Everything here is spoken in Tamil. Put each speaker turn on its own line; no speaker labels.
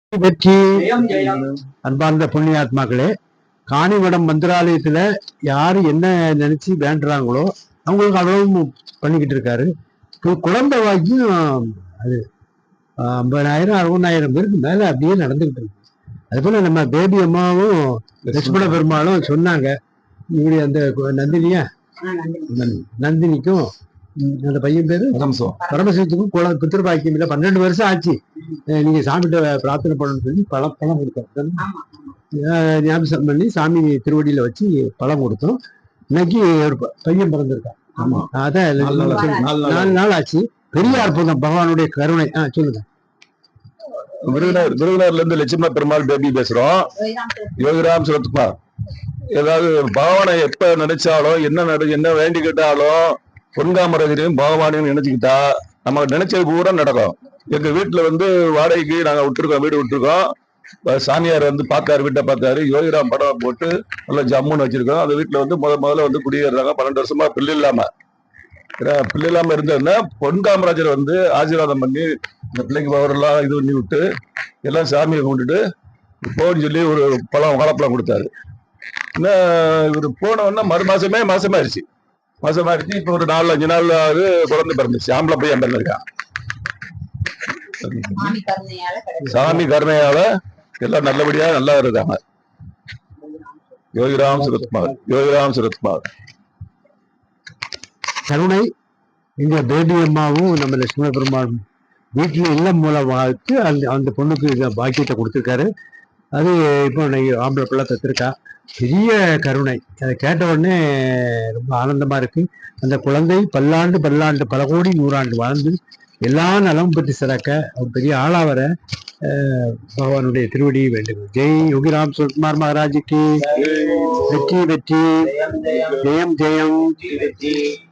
வெற்றி அன்பார்ந்த புண்ணியாத்மாக்களே, காணிமடம் மந்திராலயத்துல யாரு என்ன நினைச்சு வேண்டுறாங்களோ அவங்களுக்கு அவ்வளவு பண்ணிக்கிட்டு இருக்காரு. குழந்தை வாக்கியம் அது 50,000 60,000 பேருக்கு மேல அப்படியே நடந்துகிட்டு இருக்கு. அது போல நம்ம பேபி அம்மாவும் லட்சுமண பெருமாளும் சொன்னாங்க, இப்படி அந்த நந்தினியா நந்தினிக்கும் அந்த பையன் பேரு பரமசிவத்துக்கும் புத்திர பாக்கியம் இல்லை, 12 வருஷம் ஆச்சு. நீங்க சாமிகிட்ட பிரார்த்தனை பண்ணணும்னு சொல்லி பழம் கொடுத்தாரு. ஞாபகம் பண்ணி சாமி திருவடியில வச்சு பழம் கொடுத்தோம். இன்னைக்கு ஒரு பையன் பிறந்திருக்கான். அதான் 4 நாள் ஆச்சு. பெரிய அற்புதம், பகவானுடைய கருணை. சொல்லுங்க.
விருதுநகர்ல இருந்து லட்சுமண பெருமாள் பேபி பேசுறோம். யோகிராம் சுரத்குமார். ஏதாவது பகவானை எப்ப நினைச்சாலும் என்ன வேண்டி கேட்டாலும் பொன்காமராஜரையும் பகவானையும் நினைச்சுக்கிட்டா நம்ம நினைச்சது பூரா நடக்கும். எங்க வீட்டுல வாடகைக்கு நாங்க வீடு விட்டுருக்கோம். சாமியார் பார்த்தாரு, வீட்டை பார்த்தாரு. யோகிராம் படம் போட்டு நல்லா ஜம்முன்னு வச்சிருக்கோம். அந்த வீட்டுல முதல்ல குடியேறாங்க. 12 வருஷமா பிள்ளை இல்லாம இருந்ததுன்னா பொன்காமராஜர் ஆசீர்வாதம் பண்ணி இந்த பிள்ளைக்கு பவரெல்லாம் இது பண்ணி விட்டு எல்லாம் சாமியை கும்பிட்டுட்டு போன்னு சொல்லி ஒரு வாழைப்பழம் கொடுத்தாரு. இவர் போனோன்னா மாசமாயிருச்சு. இப்ப ஒரு 4-5 நாள் குழந்தை பிறந்துச்சு. ஆம்பளை பையன் பிறந்திருக்கான். சாமி கருணையால எல்லாம் நல்லபடியா நல்லா இருக்காங்க. யோகிராம் சுரத்குமார்
கருணை. இந்த பேபி அம்மாவும் நம்ம லட்சுமண பெருமாள் வீட்டுல இல்லம் மூலமாக்கு அந்த பொண்ணுக்கு பாக்கியத்தை கொடுத்துருக்காரு. அது இப்போ ஆம்பளை பிள்ளை தத்திருக்கா. பெரிய கருணை. அதை கேட்ட உடனே ரொம்ப ஆனந்தமா இருக்கு. அந்த குழந்தை பல்லாண்டு பல கோடி 100 ஆண்டு வாழ்ந்து எல்லா நலமும் பற்றி சிறக்க அவர் பெரிய ஆளா வர பகவானுடைய திருவடியை வேண்டுகிறோம். ஜெய் யோகிராம் சுரத்குமார் மகாராஜுக்கு வெற்றி வெற்றி, ஜெயம் ஜெயம்.